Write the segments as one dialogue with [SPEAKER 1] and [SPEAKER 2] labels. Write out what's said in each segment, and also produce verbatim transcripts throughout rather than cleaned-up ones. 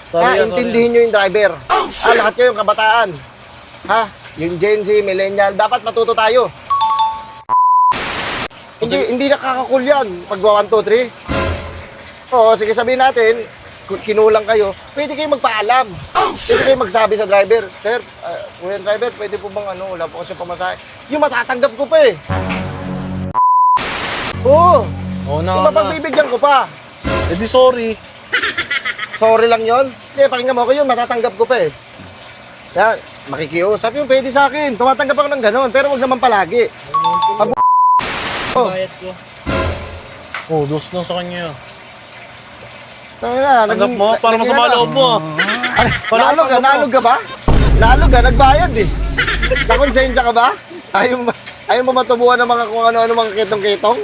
[SPEAKER 1] Sorry,
[SPEAKER 2] ha,
[SPEAKER 1] ah,
[SPEAKER 2] intindihin nyo yung driver. Ah, lahat kayo yung kabataan. Ha? Yung Gen Z, millennial, dapat matuto tayo. Hindi, hindi nakakakul yan pag one, two, three. Oo, sige sabihin natin, ku- kinulang kayo, pwede kayo magpaalam. Pwede kayo magsabi sa driver, Sir, uh, kuya driver, pwede po bang ano, wala po kasi pamasahe. Yung matatanggap ko pa eh. Oo,
[SPEAKER 1] Oo na,
[SPEAKER 2] yung
[SPEAKER 1] na.
[SPEAKER 2] mapagbibigyan ko pa.
[SPEAKER 1] Eh di sorry.
[SPEAKER 2] Sorry lang yon. Hindi, pakinggan mo ako yun, matatanggap ko pa eh. Kaya, makikiusap yung pwede sa akin. Tumatanggap ako ng ganon, pero wag naman palagi. Pag oh,
[SPEAKER 1] Bayad ko. Oh, dos lang sa kanya.
[SPEAKER 2] na,
[SPEAKER 1] Tanggap mo para masama loob mo.
[SPEAKER 2] Nalog ka, nalog ka ba? Nalog ka, nagbayad eh. Nakonsensya ka ba? Ayaw, mo- ayaw mo matubuhan ng mga kung ano-ano mga kitong-kitong?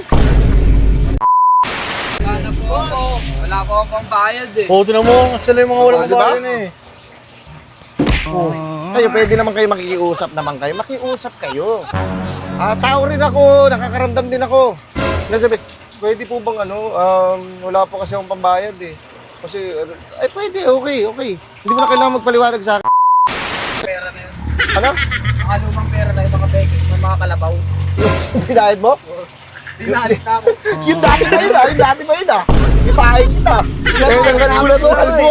[SPEAKER 3] Wala po ako. Wala po akong bayad eh.
[SPEAKER 1] Oh, tinan mo, sila yung mga walang
[SPEAKER 2] Oh, di ba?
[SPEAKER 1] bayan eh.
[SPEAKER 2] Oh. Kayo, pwede naman kayo makikiusap naman kayo. Makiusap kayo. Ah, tao rin ako, nakakaramdam din ako. Nasabi, pwede po bang ano, um, wala po kasi akong pambayad eh. Kasi, ay pwede, okay, okay. Hindi mo na kailangan magpaliwanag sa akin.
[SPEAKER 3] Pera na yun.
[SPEAKER 2] Ano?
[SPEAKER 3] Mga lumang pera na yung mga beke, yung mga kalabaw.
[SPEAKER 2] Pinahid mo?
[SPEAKER 3] Dinalis na ako.
[SPEAKER 2] Yung dati ba yun ah? Yung dati ba yun ah? Ipahin kita. Kaya nang kanula to, kalbo.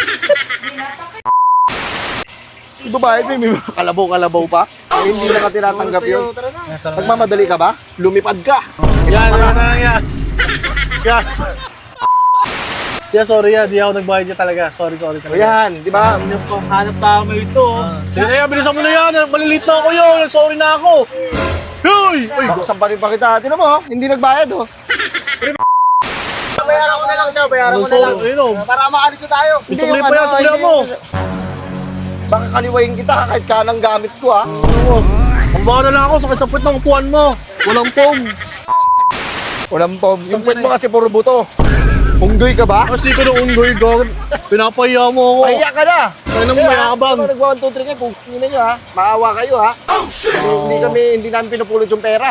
[SPEAKER 2] Yung babae mo, may mga kalabaw-kalabaw pa. Eh, hindi na ka tinatanggap yun.
[SPEAKER 3] Tara na.
[SPEAKER 2] Nagmamadali ka ba? Lumipad ka.
[SPEAKER 1] Yan, yan, yan, yan. Yan. Yeah, sorry yan, di ako nagbayad niya talaga. Sorry, sorry
[SPEAKER 2] O
[SPEAKER 1] talaga.
[SPEAKER 2] yan, di ba?
[SPEAKER 3] Hanap pa, hanap pa kami ito.
[SPEAKER 1] Sige na yan, bilisan mo na yan. Malilito na ako yun. Sorry na ako. Hoy! Uy,
[SPEAKER 2] Baksan pa rin pa kita. Tinan mo, oh, hindi nagbayad oh. Bayaran ko na lang siya, bayaran ko na lang.
[SPEAKER 1] Ayun o.
[SPEAKER 3] Para makalis na tayo.
[SPEAKER 2] Hindi
[SPEAKER 1] Isang
[SPEAKER 2] yung
[SPEAKER 1] lipa yan,
[SPEAKER 2] ano,
[SPEAKER 1] sabihan
[SPEAKER 2] hindi
[SPEAKER 1] mo.
[SPEAKER 2] yung- Baka kaliwayin kita kahit kanang gamit ko ah.
[SPEAKER 1] Oo. Ang baka na lang ako, sakit sa puwet ng upuan mo. Walang pong.
[SPEAKER 2] Walang pom. Yung puwet mo kasi puro buto. Unggoy ka ba?
[SPEAKER 1] Kasi ko ng unggoy, gawin. Pinapahiya mo ako.
[SPEAKER 2] Pahiya ka na!
[SPEAKER 1] Kaya nang mayabang.
[SPEAKER 2] Kaya nag one, two, three kayo, pungkinin nyo ha. Maawa kayo ha. Kasi hindi kami, hindi namin pinupulot yung pera.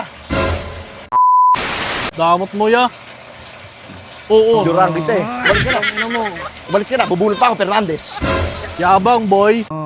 [SPEAKER 1] Damot mo ya. Oo.
[SPEAKER 2] Durang kita eh. Umalis ka na.
[SPEAKER 1] Ano mo?
[SPEAKER 2] Umalis ka na. Bubulot pa ako, Fernandez.
[SPEAKER 1] Yabang, boy.